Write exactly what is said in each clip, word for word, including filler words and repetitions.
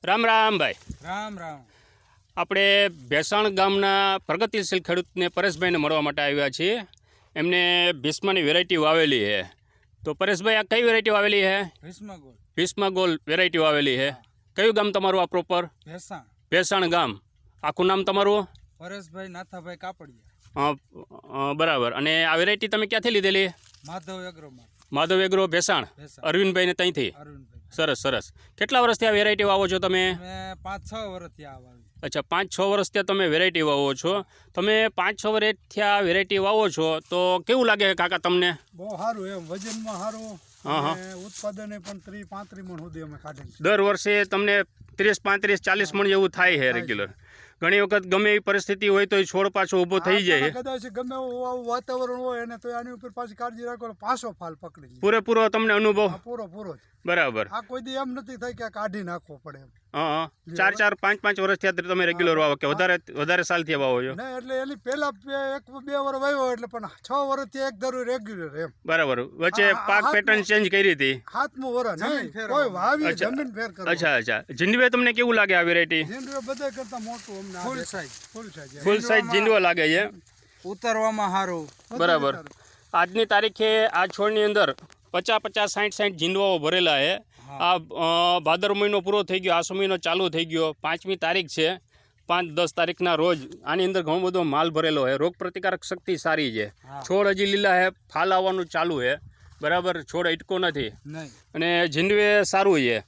રામ રામ ભાઈ. રામ રામ. આપણે ભેસાણ ગામના પ્રગતિશીલ ખેડૂતને પરેશભાઈને મળવા માટે આવ્યા છીએ. એમને ભીષ્માની વેરાયટી વાવેલી છે. તો પરેશભાઈ, આ કઈ વેરાયટી વાવેલી છે? ભીષ્મા ગોલ. ભીષ્મા ગોલ વેરાયટી વાવેલી છે. કયું ગામ તમારું આ પ્રોપર? ભેસાણ. ભેસાણ ગામ. આખું નામ તમારું? પરેશભાઈ નાથાભાઈ કાપડિયા. અ, બરાબર. અને આ વેરાયટી તમે ક્યાંથી લીધેલી? માધવ એગ્રોમાં. માધવ એગ્રો ભેસાણ. અરવિંદભાઈને ત્યાંથી? અરવિંદભાઈ. સરસ સરસ. કેટલા વર્ષથી આ વેરાયટી વાવો છો તમે? મેં પાંચ છ વર્ષથી આ વાવી. અચ્છા, પાંચ છ વર્ષ ત્યાં તમે વેરાયટી વાવો છો. તમે પાંચ છ વર્ષથી આ વેરાયટી વાવો છો તો કેવું લાગે કાકા તમને? બહુ સારું, એમ વજનમાં સારું, હા હા, ઉત્પાદને પણ ત્રીસ પાંત્રીસ મણ સુધી અમે કાઢે. દર વર્ષે તમને ત્રીસ પાંત્રીસ ચાલીસ મણ જેવું થાય છે રેગ્યુલર. ઘણી વખત ગમે એવી પરિસ્થિતિ હોય તો એ છોડ પાછો ઊભો થઈ જાય. કદાચ ગમે એવું વાતાવરણ હોય અને તો આની ઉપર પાછી કાળજી રાખો, પાછો ફાલ પકડી લે. પૂરેપૂરો તમને અનુભવ? પૂરો પૂરો જ. બરાબર. આ કોઈ દી એમ નથી થાય કે કાઢી નાખવો પડે એમ. હા, ચાર ચાર પાંચ પાંચ વર્ષથી તમે રેગ્યુલર વાવો કે વધારે વધારે સાલથી વાવો છો? ના, એટલે એની પહેલા એક બે વર્ષ વાવ્યો એટલે પણ છ વર્ષથી એક ધરું રેગ્યુલર એમ. બરાબર. વચ્ચે પાક પેટર્ન ચેન્જ કરી હતી? સાતમું વર્ષ નહીં, કોઈ વાવી જમીન ફેર કરો. અચ્છા અચ્છા. જીંડવે તમને કેવું લાગે આ વેરાયટી? જીંડવે બધા કરતા મોટું અમને full size. Full size full size જીંડવો લાગે છે. ઉતરવામાં સારું. બરાબર. આજની તારીખે આ છોડની અંદર પચાસ પચાસ સાઠ સાઠ જીંડવાઓ ભરેલા છે. આ ભાદર મહિનો પૂરો થઈ ગયો, આસો મહિનો ચાલુ થઈ ગયો, પાંચમી તારીખ છે. પાંચ દસ તારીખના રોજ આની અંદર ઘણો બધો માલ ભરેલો છે. રોગ પ્રતિકારક શક્તિ સારી છે. છોડ હજી લીલા છે, ફાલ આવવાનું ચાલુ છે. બરાબર. છોડ અટકો નથી અને જીંડવે સારું છે.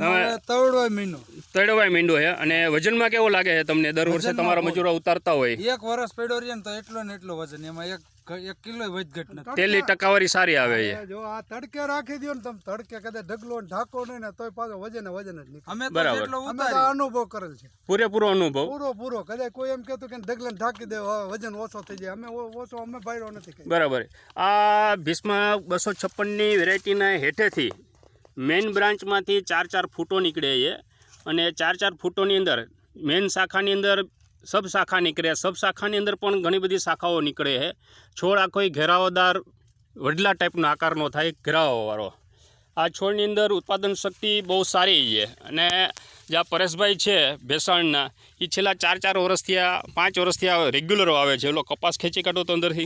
તળવાય મીંડો તળવાય મીંડો છે. અને વજનમાં કેવો લાગે છે તમને? દર વર્ષે તમારા મજૂરો ઉતારતા હોય? એક વર્ષ પડ્યો રહે ને તો એટલો ને એટલો વજન, એમાં એક એક કિલો વધઘટ નથી. તેલની ટકાવારી સારી આવે છે. જો આ તડકે રાખી દો ને તમે, તડકે કદાચ ઢગલો ઢાકો નહીં ને તોય પાછો વજન વજન જ નીકળે. અમે તો બરાબર. જેટલો અમે તો ઉતારી અનુભવ કરેલ છે, પૂરેપૂરો અનુભવ. પૂરો પૂરો. કદાચ કોઈ એમ કહેતું કે ઢગલે ઢાકી દે વજન ઓછો થઈ જાય, અમે ઓછો અમે ભાઈરો નથી કર્યો. બરાબર. આ ભીષ્મા બસો છપ્પનની વેરાયટીના હેઠેથી મેઇન બ્રાન્ચમાંથી ચાર ચાર ફૂટો નીકળે છે. અને ચાર ચાર ફૂટોની અંદર મેઇન શાખાની અંદર સબ શાખા નીકળે. સબ શાખાની અંદર પણ ઘણી બધી શાખાઓ નીકળે છે. છોડ આખો ઘેરાવદાર વડલા ટાઈપનો આકારનો થાય, ઘેરાવાવાળો. આ છોડની અંદર ઉત્પાદન શક્તિ બહુ સારી છે. અને જે આ પરેશભાઈ છે ભેસાણના, એ છેલ્લા ચાર ચાર વર્ષથી આ પાંચ વર્ષથી આ રેગ્યુલર આવે છે. એલો કપાસ ખેંચી કાઢો તો અંદરથી.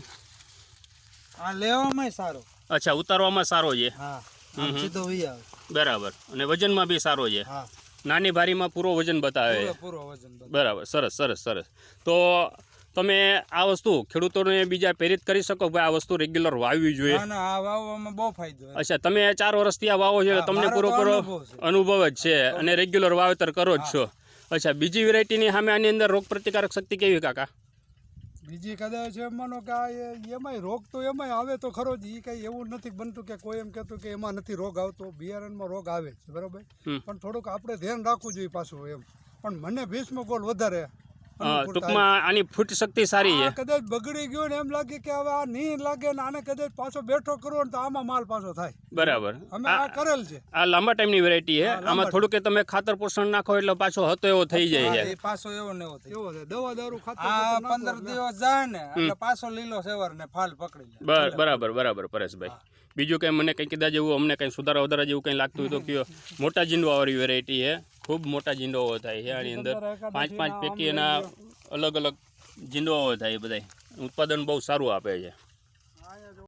આ લેવામાં સારો. અચ્છા, ઉતારવામાં સારો છે. હા, સીધો વી આવે. બરાબર. અને વજનમાં બી સારો છે. હા, નાની ભારીમાં પૂરો વજન બતાવે છે. પૂરો વજન. બરાબર. સરસ સરસ સરસ. તો તમે આ વસ્તુ ખેડૂતોને બીજા પ્રેરિત કરી શકો ભાઈ આ વસ્તુ રેગ્યુલર વાવવી જોઈએ? ના ના, આ વાવવામાં બહુ ફાયદો. અચ્છા, તમે ચાર વર્ષથી આ વાવો છો, તમને પૂરો પૂરો અનુભવ જ છે અને રેગ્યુલર વાવેતર કરો જ છો. અચ્છા, બીજી વેરાયટીની સામે આની અંદર રોગ પ્રતિકારક શક્તિ કેવી કાકા? બીજી કદાચ એમ માનો કે આ એમાંય રોગ તો એમાંય આવે તો ખરો જ. એ કઈ એવું નથી બનતું કે કોઈ એમ કહેતું કે એમાં નથી રોગ આવતો. બિયારણમાં રોગ આવે છે, બરાબર, પણ થોડુંક આપણે ધ્યાન રાખવું જોઈએ પાછું એમ. પણ મને ભીષ્મા ગોલ વધારે ટૂંકમાં આની ફૂટ શક્તિ સારી છે. કદાચ બગડી ગયો ને એમ લાગે કે હવે આ નહીં લાગે ને આને કદાચ પાછો બેઠો કરવો ને તો આમાં માલ પાછો થાય. બરાબર. અમે આ કરેલ છે. આ લાંબા ટાઈમની વેરાયટી છે. આમાં થોડું કે તમે ખાતર પોષણ નાખો એટલે પાછો હતો એવો થઈ જાય છે. પાછો એવો ને એવો એવો થાય. દવા દારૂ ખાતર આ પંદર દિવસ જાય ને એટલે પાછો લીલો સેવર ને ફાલ પકડી લે. બરાબર બરાબર. પરેશભાઈ, બીજું કંઈ મને કંઈ કીધા જેવું અમને કંઈ સુધારા વધારા જેવું કંઈ લાગતું હોય તો કયો? મોટા જીંડવાવાળી વેરાયટી છે, ખૂબ મોટા જીંડવાઓ થાય છે આની અંદર. પાંચ પાંચ પેટી એના અલગ અલગ જીંડવાઓ થાય. બધા ઉત્પાદન બહુ સારું આપે છે.